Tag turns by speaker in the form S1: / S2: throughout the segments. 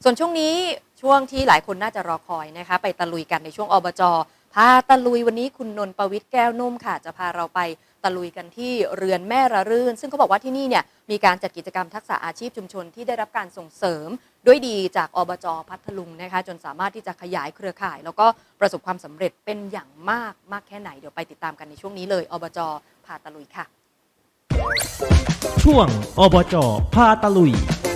S1: ส่วนช่วงนี้ช่วงที่หลายคนน่าจะรอคอยนะคะไปตะลุยกันในช่วงอบจ.พาตะลุยวันนี้คุณนนท์ประวิตรแก้วนุ่มค่ะจะพาเราไปตะลุยกันที่เรือนแม่ระรื่นซึ่งเขาบอกว่าที่นี่เนี่ยมีการจัดกิจกรรมทักษะอาชีพชุมชนที่ได้รับการส่งเสริมด้วยดีจากอบจ.พัทลุงนะคะจนสามารถที่จะขยายเครือข่ายแล้วก็ประสบความสำเร็จเป็นอย่างมากแค่ไหนเดี๋ยวไปติดตามกันในช่วงนี้เลยอบจ.พาตะลุยค่ะ
S2: ช่วงอบจ.พาตะลุย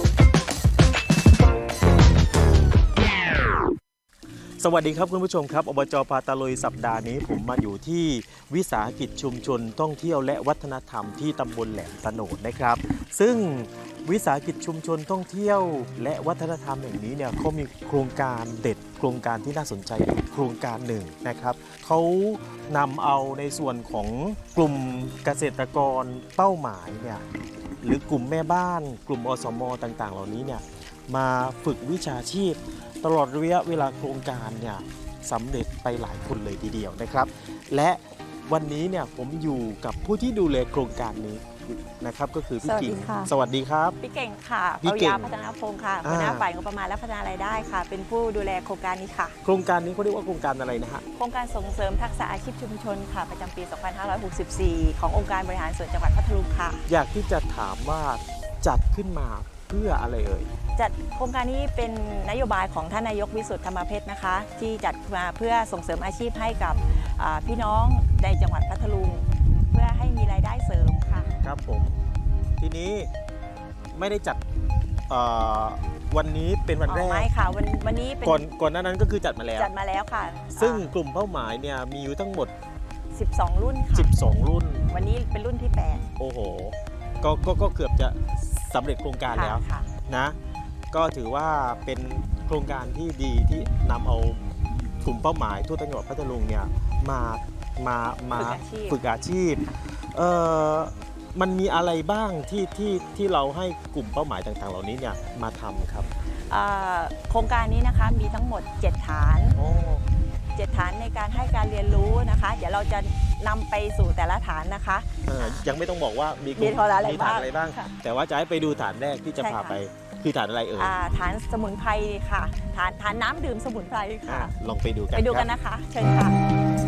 S2: สวัสดีครับคุณผู้ชมครับอบจ.พาตะลุยสัปดาห์นี้ผมมาอยู่ที่วิสาหกิจชุมชนท่องเที่ยวและวัฒนธรรมที่ตำบลแหลมตะโนดนะครับซึ่งวิสาหกิจชุมชนท่องเที่ยวและวัฒนธรรมแห่งนี้เนี่ยเขามีโครงการเด็ดโครงการที่น่าสนใจโครงการหนึ่งนะครับเขานำเอาในส่วนของกลุ่มเกษตรกรเป้าหมายเนี่ยหรือกลุ่มแม่บ้านกลุ่มอสม.ต่างๆเหล่านี้เนี่ยมาฝึกวิชาชีพตลอดระยะเวลาโครงการเนี่ยสำเร็จไปหลายคนเลยทีเดียวนะครับและวันนี้เนี่ยผมอยู่กับผู้ที่ดูแลโครงการนี้นะครับก็คือพี่กิ่งสวัสดีครับ
S3: พี่เก่งค่ะ
S2: พี่
S3: ป
S2: เก่
S3: ริ
S2: ง
S3: ยาพัฒนาพงศ์ค่ะหัวหน้าฝ่ายงบประมาณและพัฒนารายได้ค่ะเป็นผู้ดูแลโครงการนี้ค่ะ
S2: โครงการนี้เขาเรียกว่าโครงการอะไรนะฮะ
S3: โครงการส่งเสริมทักษะอาชีพชุมชนค่ะประจำปี 2564 ขององค์การบริหารส่วนจังหวัดพัทลุงค่ะ
S2: อยากที่จะถามว่าจัดขึ้นมาเพื่ออะไรเอ่ย
S3: จัดโครงการนี้เป็นนโยบายของท่านนายกวิสุทธิ์ธรรมเพชรนะคะที่จัดมาเพื่อส่งเสริมอาชีพให้กับพี่น้องในจังหวัดพัทลุงเพื่อให้มีรายได้เสริมค่ะ
S2: ครับผมทีนี้ไม่ได้จัดวันนี้เป็นวันแรก
S3: ไม่ค่ะวันนี้เป็น
S2: ก่อนหน้านั้นก็คือจัดมาแล้ว
S3: ค่ะ
S2: ซึ่งกลุ่มเป้าหมายเนี่ยมีอยู่ทั้งหมด
S3: 12 รุ่นค่ะ
S2: 12 รุ่น
S3: วันนี้เป็นรุ่นที่8
S2: โอ้โหก็เกือบจะสำเร็จโครงการแล้วนะก็ถือว่าเป็นโครงการที่ดีที่นำเอากลุ่มเป้าหมายทั่วจังหวัดพัทลุงเนี่ยมาฝึกอาชีพมันมีอะไรบ้างที่เราให้กลุ่มเป้าหมายต่างๆเหล่านี้เนี่ยมาทำครับ
S3: โครงการนี้นะคะมีทั้งหมด7ฐาน7ฐานในการให้การเรียนรู้นะคะเดี๋ยวเราจะนำไปสู่แต่ละฐานนะคะ
S2: ยังไม่ต้องบอกว่ามีฐานอะไรบ้างแต่ว่าจะให้ไปดูฐานแรกที่จะพาไปคือฐานอะไรเอ่ย
S3: ฐานสมุนไพรค่ะฐานน้ำดื่มสมุนไพรค่ะ
S2: ลองไปดูกัน
S3: นะคะเชิญค่ะ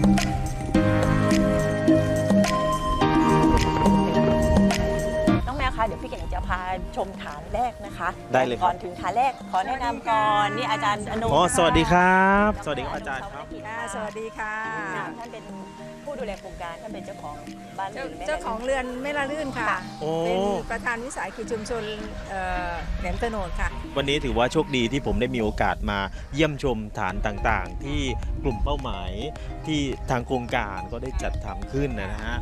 S3: น้องแมวคะเดี๋ยวพี่เก่งจะพาชมฐานแรกนะคะ
S2: ได้เลย
S3: ก่อนถึงฐานแรกขอแนะนำก่อนนี่อาจารย์อนุ
S2: สวัสดีครับสวัสดีครับอาจารย์ครับ
S4: สวัสดีค่ะ
S3: ท่านเป็นผู้ดูแลโครงการท่านเป็นเจ้าของบ้าน
S4: เจ้าของเรือนแม่ละลื่นค่ะเป็นประธานวิสาหกิจชุมชนแหลมตะโนดค่ะ
S2: วันนี้ถือว่าโชคดีที่ผมได้มีโอกาสมาเยี่ยมชมฐานต่างๆที่กลุ่มเป้าหมายที่ทางโครงการก็ได้จัดทำขึ้นนะฮะ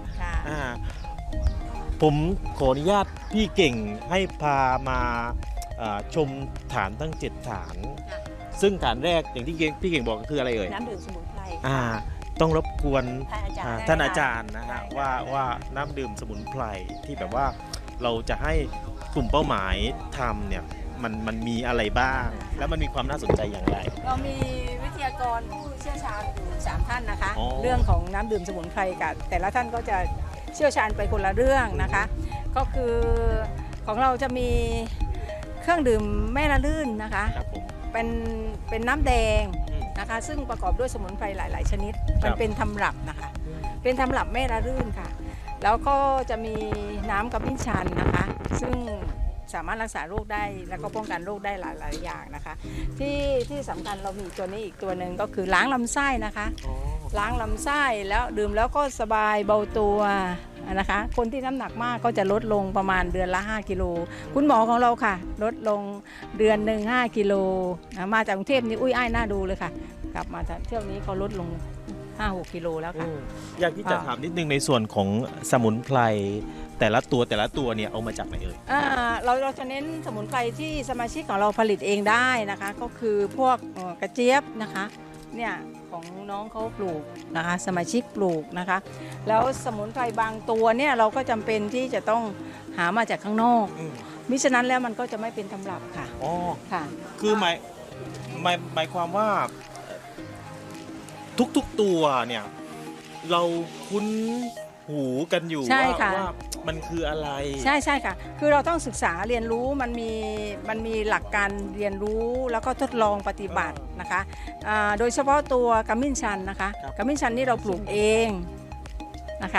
S2: ผมขออนุญาตพี่เก่งให้พามาชมฐานทั้ง7ฐานซึ่งฐานแรกอย่างที่พี่เก่งบอกก็คืออะไรเอ่ย
S3: น้ำดื่มสมุนไพร
S2: ต้องรบกวนท่านอาจารย์นะฮะว่าน้ำดื่มสมุนไพรที่แบบว่าเราจะให้กลุ่มเป้าหมายทำเนี่ยมันมีอะไรบ้างแล้วมันมีความน่าสนใจอย่างไร
S4: เรามีวิทยากรผู้เชี่ยวชาญอยู่3ท่านนะคะเรื่องของน้ำดื่มสมุนไพรกับแต่ละท่านก็จะเชี่ยวชาญไปคนละเรื่องนะคะก็คือของเราจะมีเครื่องดื่มแม่ละลื่นนะคะเป็นน้ำแดงนะคะซึ่งประกอบด้วยสมุนไพรหลายๆชนิดมันเป็นตำรับนะคะเป็นตำรับแม่ละลื่นค่ะแล้วก็จะมีน้ำกระมิ้นชันนะคะซึ่งสามารถรักษาโรคได้แล้วก็ป้องกันโรคได้หลายๆอย่างนะคะที่สำคัญเรามีตัวนี้อีกตัวหนึ่งก็คือล้างลำไส้นะคะล้างลำไส้แล้วดื่มแล้วก็สบายเบาตัวนะคะคนที่น้ำหนักมากก็จะลดลงประมาณเดือนละ5 กิโลคุณหมอของเราค่ะลดลงเดือนหนึ่ง5 กิโลมาจากกรุงเทพนี่อุ้ยอ้ายน่าดูเลยค่ะกลับมาเที่ยวนี้เขาลดลง 5-6 กิโลแล้วค่ะ
S2: อยากที่จะถามนิดนึงในส่วนของสมุนไพรแต่ละตัวเนี่ยเอามาจากไหนเอ่ย
S4: เราจะเน้นสมุนไพรที่สมาชิกของเราผลิตเองได้นะคะก็คือพวกกระเจี๊ยบนะคะเนี่ยของน้องเขาปลูกนะคะสมาชิกปลูกนะคะแล้วสมุนไพรบางตัวเนี่ยเราก็จำเป็นที่จะต้องหามาจากข้างนอกมิฉะนั้นแล้วมันก็จะไม่เป็นตำรับค่ะ
S2: อ๋อ
S4: ค่ะ
S2: คือหมายความว่าทุกตัวเนี่ยเราคุ้นหูกันอยู่
S4: ใช่ค่ะ
S2: ว่ามันคืออะไร
S4: ใช่ใช่ค่ะ คือเราต้องศึกษาเรียนรู้มันมีหลักการเรียนรู้แล้วก็ทดลองปฏิบัตินะคะโดยเฉพาะตัวกระมิ้นชันนะคะ
S2: ครับ
S4: กระมิ้นชันนี่เราปลูกเองนะคะ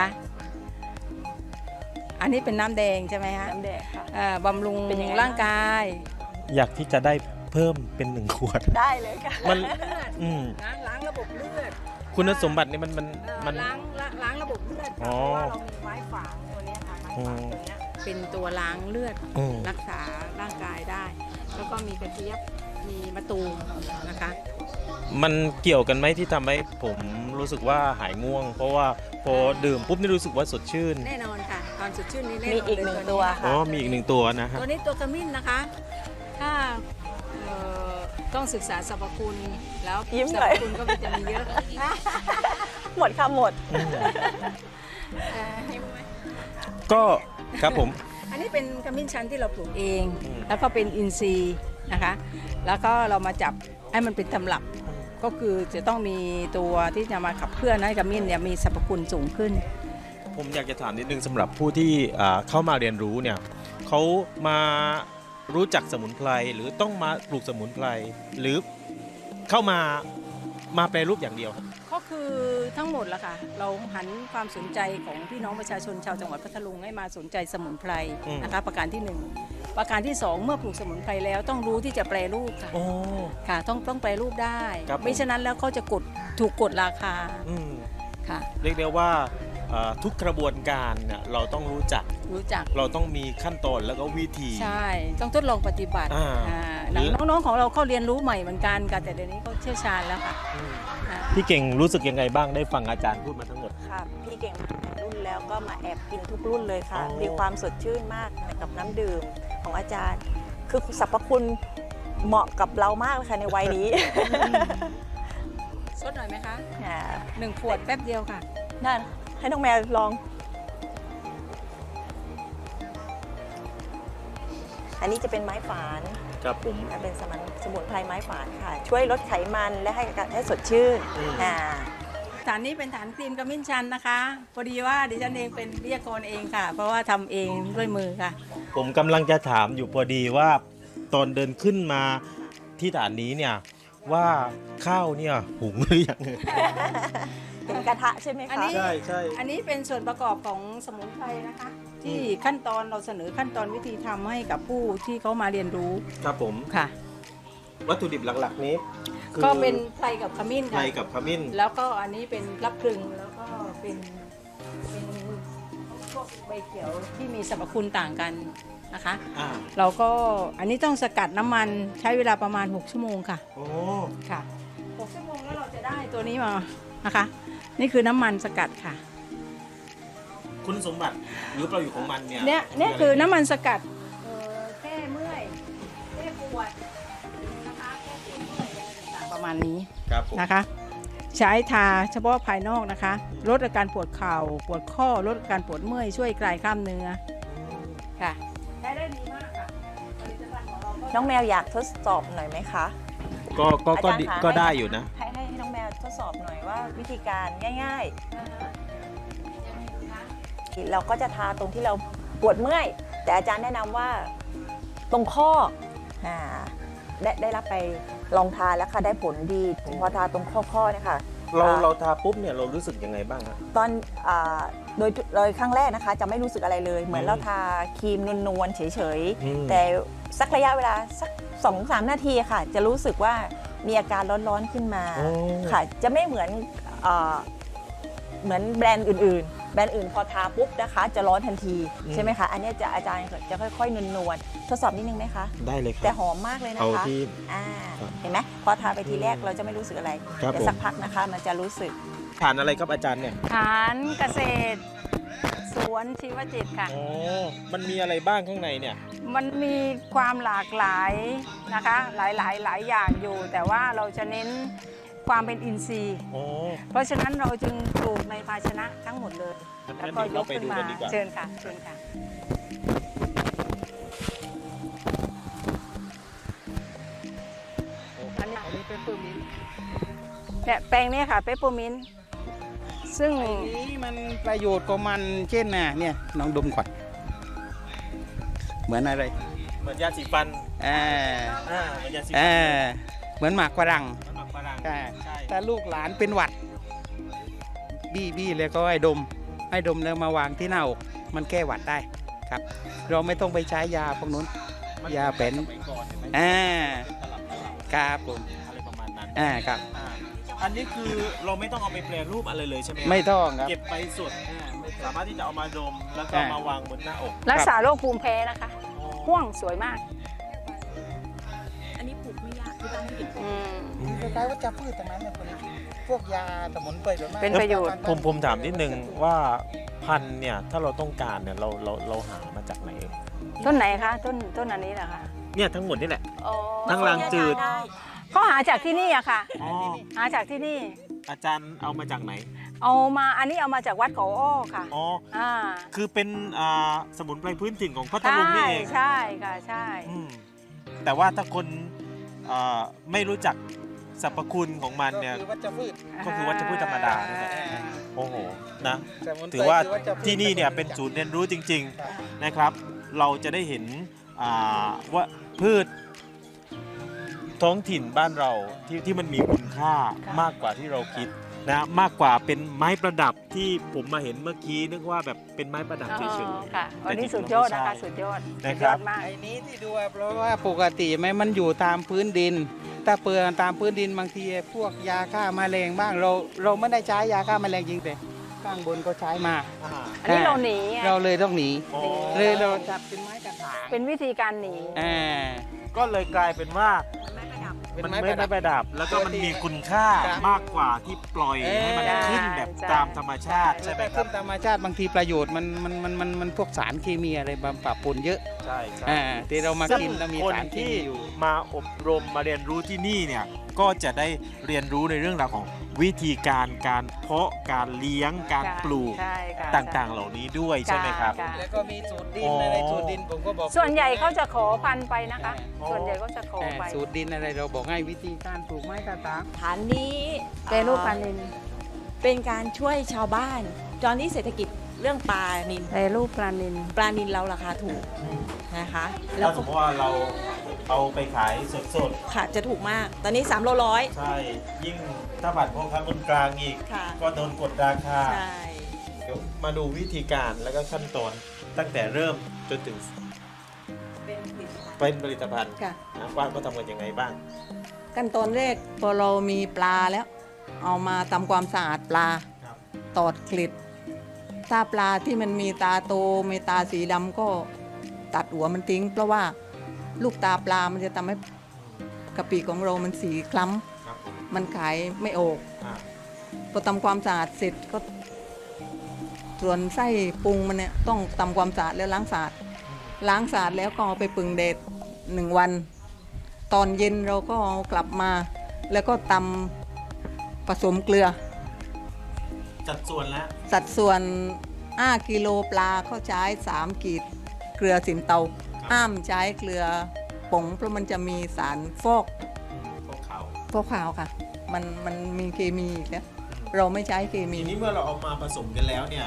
S4: อันนี้เป็นน้ำแดงใช่ไหมฮะ
S3: น้ำแดงค่ะ
S4: บำรุง
S3: เป็นยังไง
S4: ร่างกาย
S2: อยากที่จะได้เพิ่มเป็น1 ขวด
S3: ได้เลยค่ะ
S2: มัน
S4: เลือด
S2: อืม
S4: ล้างระบบเลือด
S2: คุณสมบัตินี่มัน
S4: ล้างระบบเลือดค่ะ
S2: อ๋อ
S4: เพราะว่าเรามีไม้ฝางตัวเนี้ยค่ะไม้ฝางตัวเนี้ยเป็นตัวล้างเลือด
S2: อืม
S4: รักษาร่างกายได้ แล้วก็มีกระเจี๊ยบมีมะตูมนะคะ
S2: มันเกี่ยวกันไหมที่ทำให้ผมรู้สึกว่าหายง่วง เพราะว่าพอดื่มปุ๊บนี่รู้สึกว่าสดชื่น
S4: แน่นอนค่ะความสดชื่นนี้แน่น
S3: มี
S4: อน
S3: อีก
S4: เลย
S3: หนึ่ง
S4: นี้
S3: ตัว
S2: อ๋อ
S3: ค่ะ
S2: มีอีก1 ตัวนะฮะ
S4: ตัวนี้ตัวขมิ้นนะคะ ถ้าต้องศึกษาสรรพคุณแล้ว
S3: ยิ้ม
S4: สร
S3: หน่
S4: ร
S3: อย
S4: พคุณก็จะมีเยอะ
S3: หมดค่ะหมด
S2: ก็ครับผม
S4: อันนี้เป็นขมิ้นชันที่เราปลูกเอง
S2: อืม
S4: แล้วก็เป็นอินทรีย์นะคะ แล้วก็เรามาจับให้มันเป็นตำรับ ก็คือจะต้องมีตัวที่จะมาขับเคลื่อนให้ขมิ้นเนี่ยมีสรรพคุณสูงขึ้น
S2: ผมอยากจะถามนิดนึงสำหรับผู้ที่เข้ามาเรียนรู้เนี่ยเขามารู้จักสมุนไพรหรือต้องมาปลูกสมุนไพรหรือเข้ามาแปรรูปอย่างเดียวครับ
S4: ก็คือทั้งหมดละค่ะ เราหันความสนใจของพี่น้องประชาชนชาวจังหวัดพัทลุงให้มาสนใจสมุนไพรนะคะ ประการที่ 1 ประการที่ 2 เมื่อปลูกสมุนไพรแล้วต้องรู้ที่จะแปรรูปค่ะ
S2: โอ้
S4: ค่ะต้องแปรรูปได้
S2: ครับผม
S4: ไม่ฉะนั้นแล้วเขาจะถูกกดราคา
S2: อืม
S4: ค่ะ
S2: เรียกได้ว่าทุกกระบวนการเนี่ยเราต้องรู้จัก
S4: รู้จัก
S2: เราต้องมีขั้นตอนแล้วก็วิธี
S4: ใช่ ต้องทดลองปฏิบัติ
S2: อ่า
S4: น้องๆของเราเขาเรียนรู้ใหม่เหมือนกันค่ะแต่เดี๋ยวนี้เขาเชี่ยวชาญแล้วค่ะ
S2: อืม
S4: อ่า
S2: พี่เก่งรู้สึกยังไงบ้างได้ฟังอาจารย์พูดมาทั้งหมด
S3: ค่ะ พี่เก่งมาหลายรุ่นแล้วก็มาแอบกินทุกรุ่นเลยค่ะ
S2: อ๋อ
S3: มีความสดชื่นมากกับน้ำดื่มของอาจารย์ คือสรรพคุณเหมาะกับเรามากเลยค่ะในวัยนี้
S4: สดหน่อยไหมคะ
S3: อ่า
S4: 1 ขวดแป๊บเดียวค่ะ
S3: นั่นให้น้องแมวลอง อันนี้จะเป็นไม้ฝาน
S2: ครับผม
S3: เป็นสมุนไพรไม้ฝานค่ะ ช่วยลดไขมันและให้สดชื่น
S2: อืม
S4: ฐานนี้เป็นฐานครีมกระมิ้นชันนะคะพอดีว่าดิฉันเองเป็นวิทยากรเองค่ะ เพราะว่าทำเองด้วยมือค่ะ
S2: ผมกำลังจะถามอยู่พอดีว่าตอนเดินขึ้นมาที่ฐานนี้เนี่ยว่าข้าวเนี่ยหุงหรือยัง
S3: เป็นกระทะใช่ไหม
S4: อัน
S3: คะ
S4: นี้
S2: ใช่ใช่
S4: อันนี้เป็นส่วนประกอบของสมุนไพรนะคะ ที่ขั้นตอนเราเสนอขั้นตอนวิธีทำให้กับผู้ที่เขามาเรียนรู้
S2: ครับผม
S4: ค่ะ
S2: วัตถุดิบหลักๆนี้คือ
S4: ก็เป็นไพรกับขมิ้น
S2: ไพร
S4: ค่ะ
S2: กับขมิ้น
S4: แล้วก็อันนี้เป็นรับพลึงแล้วก็เป็นพวกใบเขียวที่มีสรรพคุณต่างกันนะคะ
S2: อ่า
S4: เราก็อันนี้ต้องสกัดน้ำมันใช้เวลาประมาณ6 ชั่วโมงค่ะ
S2: โอ้
S4: ค่ะ6 ชั่วโมงแล้วเราจะได้ตัวนี้มานะคะ นี่คือน้ำมันสกัดค่ะ
S2: คุณสมบัติหรือประโยชน์ของมันเนี่ย
S4: เนี่ยคือน้ำมันสกัดแก้เมื่อยแก้ปวดนะคะแก้ปวดเมื่อยอะไรต่างๆประมาณนี้
S2: ครับผม
S4: นะคะ ใช้ทาเฉพาะภายนอกนะคะ ลดอาการปวดเข่าปวดข้อลดอาการปวดเมื่อยช่วยคลายกล้ามเนื้อค่ะใช้ได้ดีมากค่ะผลิตภัณฑ์ของเราก็
S3: น้องแมวอยากทดสอบหน่อยไหมคะ
S2: ก็
S3: อาจารย์
S2: ดี
S3: คะ
S2: ก็ได้อยู่นะ
S3: ให้น้องแมวทดสอบหน่อยว่าวิธีการง่าย ๆ เราก็จะทาตรงที่เราปวดเมื่อย แต่อาจารย์แนะนำว่าตรงข้ออ่าได้รับไปลองทาแล้วค่ะได้ผลดีพอทาตรงข้อเนี่ยค่ะ
S2: เราทาปุ๊บเนี่ยเรารู้สึกยังไงบ้างฮะ
S3: ตอนโดยครั้งแรกนะคะ จะไม่รู้สึกอะไรเลย เหมือนเราทาครีมนวลๆเฉย
S2: อืม
S3: ๆ แต่สักระยะเวลาสัก 2-3 นาทีค่ะ จะรู้สึกว่ามีอาการร้อนๆขึ้นมา
S2: โอ้
S3: ค่ะ จะไม่เหมือนแบรนด์อื่นๆ แบรนด์อื่นพอทาปุ๊บนะคะ จะร้อนทันทีใช่ไหมคะ อันนี้อาจารย์จะค่อยๆนวลๆทดสอบนิดนึงไหมคะ
S2: ได้เลยค
S3: แต่
S2: รับ
S3: หอมมากเลยนะ
S2: เอา
S3: คะ
S2: ที่
S3: ครับเห็นไหมพอทาไปทีแรกเราจะไม่รู้สึกอะไร
S2: ครับ
S3: แต่
S2: ผม
S3: สักพักนะคะมันจะรู้สึก
S2: ฐานอะไรครับอาจารย์เนี่ย
S4: ฐานเกษตร สวนชีวจิตค่ะ
S2: อ๋อมันมีอะไรบ้างข้างในเนี่ย
S4: มันมีความหลากหลายนะคะหลายอย่างอยู่ แต่ว่าเราจะเน้นความเป็นอินทรีย์
S2: อ๋อ
S4: เพราะฉะนั้นเราจึงปลูกในภาชนะทั้งหมดเลย
S2: งั้น
S4: แล้วก็
S2: เดี๋ยวย เรา
S4: ก
S2: ไป
S4: ขึ้น
S2: ดู
S4: มา
S2: กันดีกว่า
S4: เชิญค่ะเชิญค่ะอันนี้เป็นเปปเปอร์มินต์เนี่ยแปลงนี้ค่ะเปปเปอร์มินต์ซึ่ง
S5: ไอ้นี้มันประโยชน์ของมันเช่นน่ะเนี่ยน้องดมก่อนเหมือนอะไร
S2: เหมือนยาสีฟัน
S5: อ่า
S2: เหมือนยาสี
S5: อ่า
S2: ฟัน
S5: เหมือนหมากฝรั่ง
S2: น้ำหมักฝรั่ง
S5: ใช่
S2: ใช่
S5: ถ้าลูกหลานเป็นหวัด บี้แล้วก็ให้ดมแล้วมาวางที่หน้าอกมันแก้หวัดได้ครับ เราไม่ต้องไปใช้ยาพวกนู้น ยาเป็น
S2: สมัยก่อนเห็นไหม
S5: อ่า
S2: เป็นตลับ
S5: ครับผม
S2: อะไรประมาณนั้น
S5: ครับ
S2: อ่าอันนี้คือเราไม่ต้องเอาไปแปรรูปอะไรเลยใช่ไหม
S5: ไม่ต้องครับ
S2: เก็บไปสดสามารถที่จะเอามาดมแล้วก็
S5: อ่าม
S2: มาวางบนหน้าอก
S4: รักษาโรคภูมิแพ้นะคะห่วงสวยมาก
S3: อันนี้ปลูกไม่ยากที่บ้านไม่ติด
S4: อืม
S5: คล้ายๆว่าจะพืชตรงนั้นเนี่ยพวกยาสมุนไพรส่วนมาก
S4: เป็นประโยชน์
S2: ผมถามนิดนึงว่าพันธุ์เนี่ยถ้าเราต้องการเนี่ยเราหามาจากไหน
S4: ต้นไหนคะต้นอันนี้เหรอคะ
S2: เนี่ยทั้งหมดนี่แหละ
S4: อ๋อ
S2: ทั้งรังจืด
S4: ก็หาจากที่นี่อะค่ะ
S2: อ๋อ
S4: หาจากที่นี่
S2: อาจารย์เอามาจากไหน
S4: เอามาอันนี้เอามาจากวัดเขาอ้อค่ะ
S2: อ๋อ
S4: อ่า
S2: คือเป็นสมุนไพรพื้นถิ่นของพัท
S4: ใช่
S2: ลุงนี่เอง
S4: ใช่ค่ะใช่
S2: อืมแต่ว่าถ้าคนไม่รู้จักสรรพคุณของมันเนี่ย
S5: ก็คือวัชพืช
S2: ก็คือวัชพืชธรรมดานี่แหละ โอ้โหนะ
S5: สมุนไพร
S2: ถือว่า
S5: คือวัชพืช
S2: ที่นี่เนี่ยเป็นศูนย์เรียนรู้จริง ๆนะครับ เราจะได้เห็นว่าพืชท้องถิ่นบ้านเราที่มันมีคุณค่ามากกว่าที่เราคิดนะมากกว่าเป็นไม้ประดับที่ผมมาเห็นเมื่อกี้นึกว่าแบบเป็นไม้ประดับเฉย
S4: ค่ะ
S2: ๆ
S4: วันนี้สุดยอดนะคะสุดยอด
S2: นะ
S4: สุด
S2: ค
S4: ย
S2: รั
S4: อบ ดมาก
S5: ไอ้นี้ที่ดูเพราะว่าปกติไหมมันอยู่ตามพื้นดิน ถ้าเปลือกตามพื้นดินบางทีพวกยาฆ่าแมลงบ้างเราไม่ได้ใช้ยาฆ่าแมลงจริงแต่ข้างบนก็ใช้มา
S4: อันนี้เราหนีไง
S5: เราเลยต้องหนี
S2: อ๋อ
S5: เลยเราจับเป็นไม้กระถาง
S4: เป็นวิธีการหนี
S5: อ่า
S2: ก็เลยกลายเป็นว่า
S5: เป็น
S2: มัน
S5: ไม้
S2: ไม่
S5: ประดับ
S2: ประดับ แล้วก็มันมีคุณค่า
S5: ครับ
S2: มากกว่าที่ปล่อยให้มัน
S5: ใช่
S2: ขึ้นแบบตามธรรมชาติใช่ไหมครั
S5: ขึ้
S2: บ
S5: นธรรมชาติบางทีประโยชน์มันพวกสารเคมีอะไรบำปะปนเยอะ
S2: ใช่ใช่
S5: ที่เรามา
S2: ซึ่ง
S5: กินแล้วมี
S2: คน
S5: สารเค
S2: ที่
S5: มีอยู่
S2: มาอบรมมาเรียนรู้ที่นี่เนี่ยก็จะได้เรียนรู้ในเรื่องราวของวิธีการเพาะการเลี้ยงการปลูก
S4: ใช่ค่ะ
S2: ต่างๆ เหล่านี้ด้วยใช่ไหมครับ
S4: ค่ะ
S5: แล้วก็มีสูตรดิ
S2: อ๋
S5: น
S2: ออ
S5: อะไรสูตรดินผมก็บอก
S4: ส่วนใหญ่เขาจะขอพันธุ์ไปนะคะ
S2: อ๋อ
S4: ส่วนใหญ่ก็จะขอไป
S5: สูตรดินอะไรเราบอกให้วิธีการปลูกไม้กระถาง
S3: ฐานนี้
S4: แปรรูปปลานิล
S3: เป็นการช่วยชาวบ้าน ตอนนี้เศรษฐกิจเรื่องปลานิล
S4: แปรรูปปลานิล
S3: ปลานิลเราราคาถูกนะคะ แล้
S2: แล้ว วสมมติว่าเราเอาไปขายสด
S3: ค่ะจะถูกมาก ตอนนี้3โลร้อย
S2: ๆ ใช่ ยิ่งถ้าผัดพ่อค้าคนกลางอีก
S3: ค่ะ
S2: ก็โดนกดราคา
S3: ใช่
S2: เดี๋ยวมาดูวิธีการแล้วก็ขั้นตอนตั้งแต่เริ่มจนถึงเป็นผลิตภัณฑ์
S6: ค่ะ
S2: นะว่าก็ทำกันยังไงบ้าง
S6: ขั้นตอนแรกพอเรามีปลาแล้ว เอามาทำความสะอาดปลา
S2: ครับ
S6: ตอดกลิดถ้าปลาที่มันมีตาโตมีตาสีดำก็ตัดหัวมันทิ้ง เพราะว่าลูกตาปลามันจะทำให้กะปิของเรามันสีคล้
S2: ครับผม
S6: ำมันขายไม่ออก
S2: อ่า
S6: พอทำความสะอาดเสร็จก็ส่วนไส้ปรุงมันเนี่ยต้องทำความสะอาดแล้วล้างสะอาดแล้วก็เอาไปปึงแดด1 วัน ตอนเย็นเราก็เอากลับมา แล้วก็ตำผสมเกลือ
S2: จัดส่วนแล้ว
S6: สัดส่วน5 กิโลปลาเขาใช้3 กีดเกลือสินเตาห้ามใช้เกลือผงเพราะมันจะมีสารฟอก
S2: พวกเขา
S6: ฟอกขาวค่ะ มันมีเคมีอีกแล้วเราไม่ใช้เคมี
S2: ทีนี้เมื่อเราเอามาผสมกันแล้วเนี่ย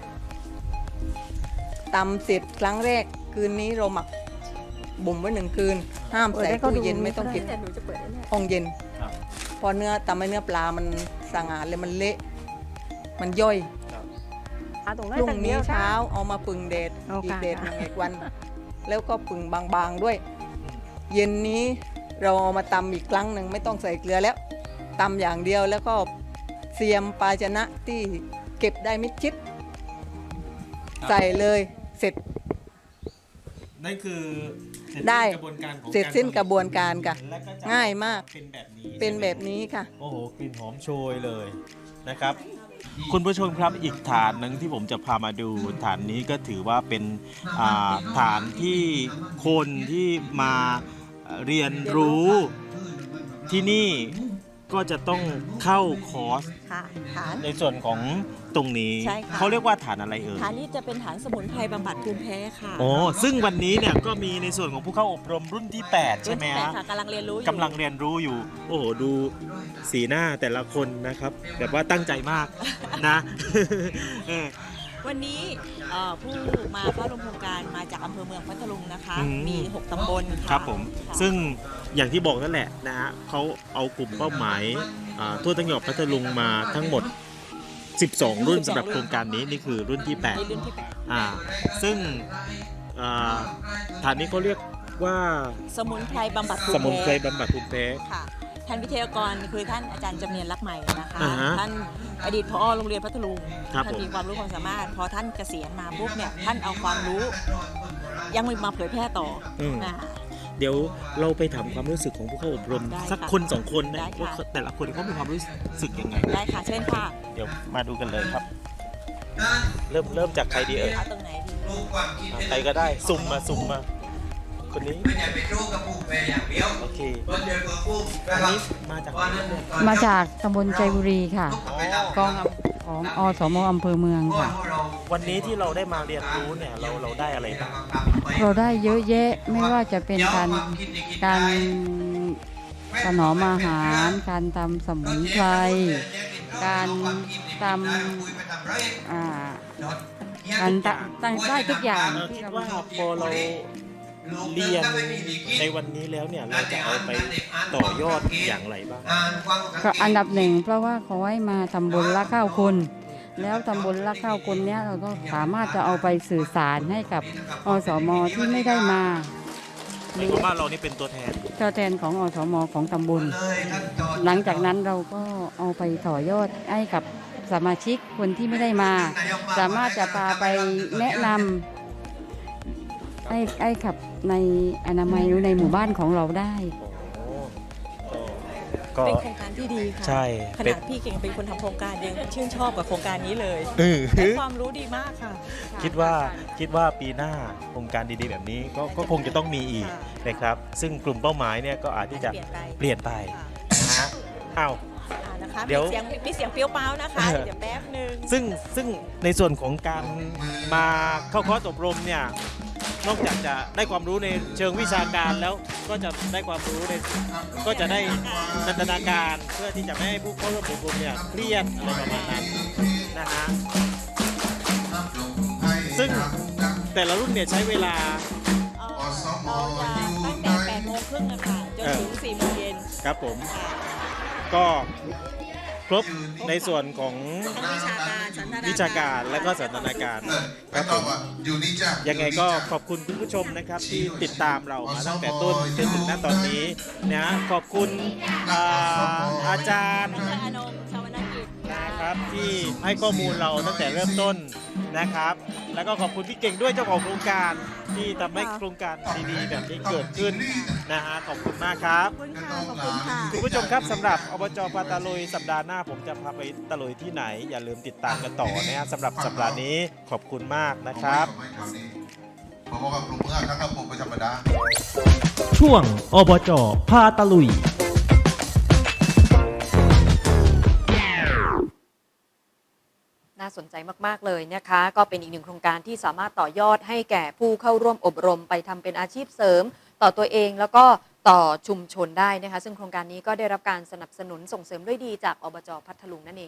S6: ตำเสร็จครั้งแรกคืนนี้เราหมักบ่มไว้1 คืน ห้ามใส่ตู้เย็นไม่ต้องเก็บห้องเย็น
S2: ครับ
S6: พอทำให้เนื้อปลามันสางอาดเลยมันเละมันย่อย
S4: ตรง
S6: พ
S4: นั้น
S6: รุ่ง
S4: ตั้งเดี
S6: นี้
S4: ยว
S6: เช้าเอามาปึงเดด
S4: โอเค
S6: อีกเดด
S4: ค่ะ
S6: 1 วัน แล้วก็ปึงบางๆด้วย เย็นนี้เราเอามาตำอีกครั้งหนึ่งไม่ต้องใส่เกลือแล้วตำอย่างเดียวแล้วก็เสียมภาชนะที่เก็บได้มิดชิด ใส่เลยเสร็จ
S2: นั่นคือเสร็จ
S6: ได้
S2: สิ้นกระบวนการของ
S6: เสร็จสิ้นกระบวน
S2: ก
S6: การค่ะ
S2: แล้วก็จะ
S6: ง่ายมาก
S2: เป็นแบบนี้
S6: เป็น
S2: ใช่ไหม
S6: แบบนี้ค่ะ
S2: โอ้โหกลิ่นหอมโชยเลยนะครับ คุณผู้ชมครับอีกฐานหนึ่งที่ผมจะพามาดูฐานนี้ก็ถือว่าเป็นฐานที่คนที่มาเรียนรู้ที่นี่ก็จะต้องเข้าคอร์ส
S3: ค่ะฐาน
S2: ในส่วนของตรงนี้
S3: ใช่ค่ะ
S2: เขาเรียกว่าฐานอะไรเอ่ย
S3: ฐานนี้จะเป็นฐานสมุนไพรบำบัดภูมิแพ้ค่ะ
S2: อ๋อซึ่งวันนี้เนี่ยก็มีในส่วนของผู้เข้าอบรมรุ่นที่ 8 ใช่ไหม
S3: รุ่นที่
S2: ฮะ
S3: แปดค่ะกำลังเรียนรู้อยู่
S2: กำลังเรียนรู้อยู่ โอ้โห ดูสีหน้าแต่ละคนนะครับ แบบว่าตั้งใจมากนะ เออ
S3: วันนี้ผู้มาเข้าร่วมโครงการมาจากอำเภอเมืองพัทลุงนะคะ
S2: อืม
S3: มี 6 ตำบลค่ะ
S2: ครับผม
S3: ค่ะ
S2: ซึ่งอย่างที่บอกนั่นแหละนะฮะเขาเอากลุ่มเป้าหมายทั่วทั้งจังหวัดพัทลุงมาทั้งหมด 12 รุ่นสำหรับโครงการนี้นี่คือรุ่นที่
S3: ในรุ่นที่
S2: 8 ซึ่งฐานนี้เขาเรียกว่า
S3: 8 สมุนไพรบำบัดภู
S2: ส
S3: มิ
S2: มุนไพร
S3: แพ้
S2: บำบัดภูมิแพ้
S3: ค่ะท่านวิทยากรคือท่านอาจารย์จำเนียนรักใหม่นะคะ
S2: อ่าฮะ
S3: ท่านอดีตผอโรงเรียนพัทลุง
S2: ครับ
S3: ท่าน
S2: ผม
S3: มีความรู้ความสามารถ พอท่านเกษียณมาปุ๊บเนี่ยท่านเอาความรู้ ยังมาเผยแพร่ต่ออ
S2: ม
S3: อ่า
S2: เดี๋ยวเราไปถามความรู้สึกของผู้เข้าอบรม
S3: ได้
S2: สัก
S3: ค่ะ
S2: คนสองคนนะ
S3: ได้ค่ะ
S2: ว่าแต่ละคนเขามีความรู้สึกยังไง
S3: ได้ค่ะเชิญค่ะ
S2: เดี๋ยวมาดูกันเลยครับ เริ่มจากใครดีเอ่ย
S3: เอาตรงไหนดี
S2: ใครก็ได้สุ่มมาคนนี้
S7: ไม่ใช่เป็นโรคกระปุกแม่อย่างเดียว
S2: โอเค
S7: มันเดือดเปิดปุ้ม
S2: อันนี้มาจากไหนเนี่ย
S8: มาจากตำบลใจบุรีค่ะ กองของอสมอำเภอเมืองค่ะ
S2: วันนี้ที่เราได้มาเรียนรู้เนี่ยเราได้อะไรบ้าง
S8: เราได้เยอะแยะไม่ว่าจะเป็นการถนอมอาหาร การทำสมุนไพร การทำการตั้งได้ทุกอย่าง
S2: คิดว่าพอเราเรียนในวันนี้แล้วเนี่ยเราจะเอาไปต่อยอดอย่างไรบ้าง
S8: ก็อันดับหนึ่งเพราะว่าเขาให้มาทำบุญละข้าวคน แล้วทำบุญละข้าวคนเนี้ยเราก็สามารถจะเอาไปสื่อสารให้กับอสมที่ไม่ได้มาห
S2: ใน
S8: รือ
S2: ความว่าเรานี่เป็นตัวแทน
S8: ตัวแทนของอสมของตำบล หลังจากนั้นเราก็เอาไปต่อยอดให้กับสมาชิกคนที่ไม่ได้มา สามารถจะพาไปแนะนำให้ขับในอนามัยหรือในหมู่บ้านของเราได้
S2: ก็
S3: เป็นโครงการที่ดีค่ะ
S2: ใช่
S3: ข
S2: เป็น
S3: นาดพี่เก่งเป็นคนทำโครงการยังชื่นชอบกับโครงการนี้เลย
S2: เอ
S3: ได้
S2: อ
S3: ความรู้ดีมากค่ะ
S2: คิดว่าปีหน้าโครงการดีๆแบบนี้ก็คงจะต้องมีอีกนะครับ ซึ่งกลุ่มเป้าหมายเนี่ยก็อาจที่จะเปลี่ยนไปนะฮะอ้าว
S3: นะคะ
S2: เดี๋ยว
S3: มีเสียงเปรี้ยวเป้านะคะ
S2: เออ
S3: เดี๋ยวแป๊บนึง
S2: ซึ่งในส่วนของการมาเข้าคอร์สอบรมเนี่ยนอกจากจะได้ความรู้ในเชิงวิชาการแล้วก็จะได้ความรู้ในก็จะได้นันทนาการเพื่อที่จะไม่ให้ผู้เข้าร่วมอบรมเนี่ยเครียดอะไรประมาณนั้นนะฮะซึ่งแต่ละรุ่นเนี่ยใช้เวลา
S3: เราจะตั้งแต่8 โมงครึ่งนะคะจนถึง 4 โมงเย็น
S2: ครับผม ก็ครบในส่วนของ
S3: ทั้งวิชาการสันทนาการ
S2: วิชาการและก็สันทนาการครับผมยังไงก็ขอบคุณคุณผู้ชมนะครับที่ติดตามเรามาตั้งแต่ต้นจนถึงณตอนนี้นะขอบคุณอาจารย์
S3: อาจารย์อนงชาวนกิจ
S2: นะครับที่ให้ข้อมูลเราตั้งแต่เริ่มต้นนะครับ แล้วก็ขอบคุณพี่เก่งด้วยเจ้าของโครงการที่ทำให้โครงการดีๆแบบนี้เกิดขึ้นนะฮะขอบคุณมากครับ
S3: ขอบคุณค่ะ ขอบคุณค่ะ
S2: คุณผู้ชมครับสำหรับอบจพาตะลุยสัปดาห์หน้าผมจะพาไปตะลุยที่ไหน อย่าลืมติดตามกันต่อนะฮะสำหรับสัปดาห์นี้ขอบคุณมากนะครับ
S9: เพราะว่าปรุงเมื่อครับผมเป็นธรรมดา
S10: ช่วงอบจพาตะลุย
S1: น่าสนใจมากๆเลยนะคะ ก็เป็นอีกหนึ่งโครงการที่สามารถต่อยอดให้แก่ผู้เข้าร่วมอบรมไปทำเป็นอาชีพเสริม ต่อตัวเองแล้วก็ต่อชุมชนได้นะคะ ซึ่งโครงการนี้ก็ได้รับการสนับสนุนส่งเสริมด้วยดีจากอบจพัทลุงนั่นเอง